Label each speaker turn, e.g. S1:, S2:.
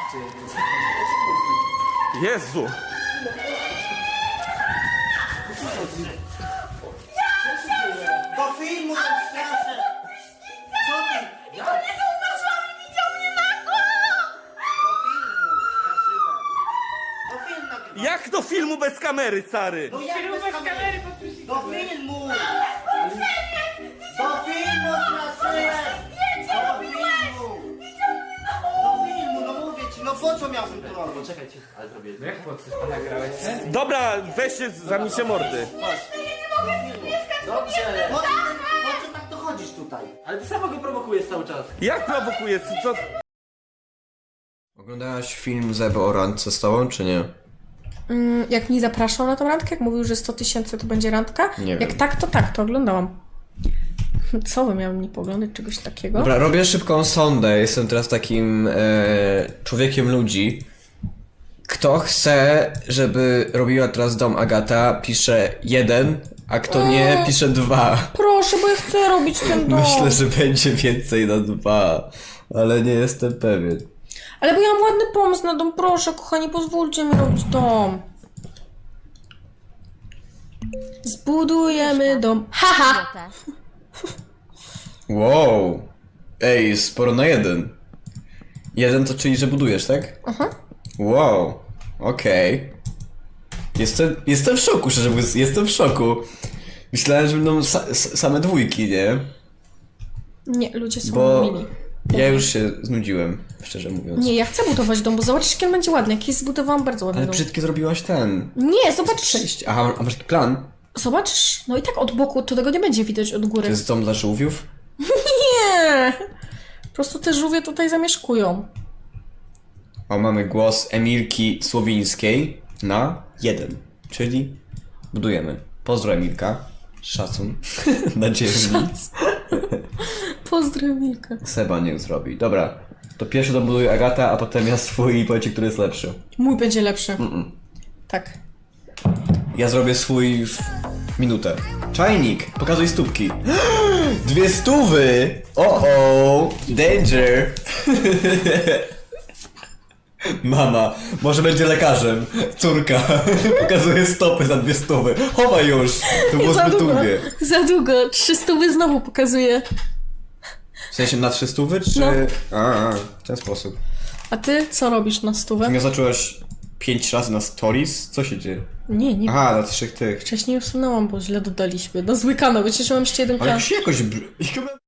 S1: Jezu!
S2: Do filmu to straszne! Co ty?
S3: I to nie zauważyłam i widział mnie nago!
S2: Do filmu, straszywe. Do filmu nagrywam.
S1: Jak do filmu bez kamery, stary?
S2: No jak
S3: Filmu bez kamery podpuścić.
S2: Do filmu! Do filmu straszyłem!
S3: Zdjęcie
S2: Do
S3: robiłeś!
S2: filmu!
S3: Widział mnie nago!
S2: Do filmu, no mówię ci, no po co miałbym to robić?
S4: Czekajcie, ale zrobię.
S5: No jak po coś pan nagrałeś?
S1: Dobra, weźcie, zamknijcie mordy.
S4: Dobrze!
S2: Po co tak dochodzisz tutaj?
S4: Ale ty samo go prowokujesz cały czas.
S1: Jak prowokuje? Co?
S6: Oglądałaś film z Ewo o randce z tobą, czy nie?
S3: Jak mnie zapraszał na tą randkę, jak mówił, że 100 000 to będzie randka,
S6: Nie
S3: jak
S6: wiem.
S3: tak, to oglądałam. Co by miałem nie poglądać czegoś takiego?
S6: Dobra, robię szybką sondę. Jestem teraz takim człowiekiem ludzi. Kto chce, żeby robiła teraz dom Agata, pisze 1, a kto nie, pisze 2.
S3: Proszę, bo ja chcę robić ten dom.
S6: Myślę, że będzie więcej na 2, ale nie jestem pewien.
S3: Ale bo ja mam ładny pomysł na dom, proszę, kochani, pozwólcie mi robić dom. Zbudujemy dom. Haha!
S6: Wow. Ej, sporo na 1. 1 to czyli, że budujesz, tak?
S3: Aha.
S6: Wow. Okej. Jestem w szoku, szczerze mówiąc, jestem w szoku. Myślałem, że będą same dwójki, nie?
S3: Nie, ludzie są
S6: Bo
S3: mili.
S6: ja już się znudziłem, szczerze mówiąc.
S3: Nie, ja chcę budować dom, bo zobaczysz, jaki on będzie ładny. Jakiś zbudowałam bardzo ładny
S6: Ale
S3: dom.
S6: brzydkie zrobiłaś ten.
S3: Nie, zobacz.
S6: Przejść. Aha, a masz taki plan?
S3: Zobaczysz. No i tak od boku, to tego nie będzie widać od góry.
S6: To jest dom dla żółwiów?
S3: Nie! Po prostu te żółwie tutaj zamieszkują.
S6: O, mamy głos Emilki Słowińskiej na 1. Czyli budujemy. Pozdro Emilka. Szacun. Na 9.
S3: Pozdrow, Milka.
S6: Seba nie zrobi. Dobra. To pierwszy dom buduje Agata, a potem ja swój i powiecie, który jest lepszy.
S3: Mój będzie lepszy. Tak.
S6: Ja zrobię swój w minutę. Czajnik! Pokazuj stópki. 200! O! Danger! Mama, może będzie lekarzem. Córka pokazuje stopy za 200. Chowaj już! To było
S3: Za
S6: zbyt
S3: długo.
S6: długie.
S3: Za długo. 300 znowu pokazuje.
S6: W sensie na 300 czy...
S3: No.
S6: A, w ten sposób.
S3: A ty co robisz na stówę?
S6: Ty mnie zacząłeś 5 razy na stories? Co się dzieje?
S3: Nie.
S6: Aha, na 3 tych.
S3: Wcześniej usunęłam, bo źle dodaliśmy. Na zły kanał. Wiecie, że mam jeszcze jeden
S6: Ale
S3: kanał.
S6: jakoś...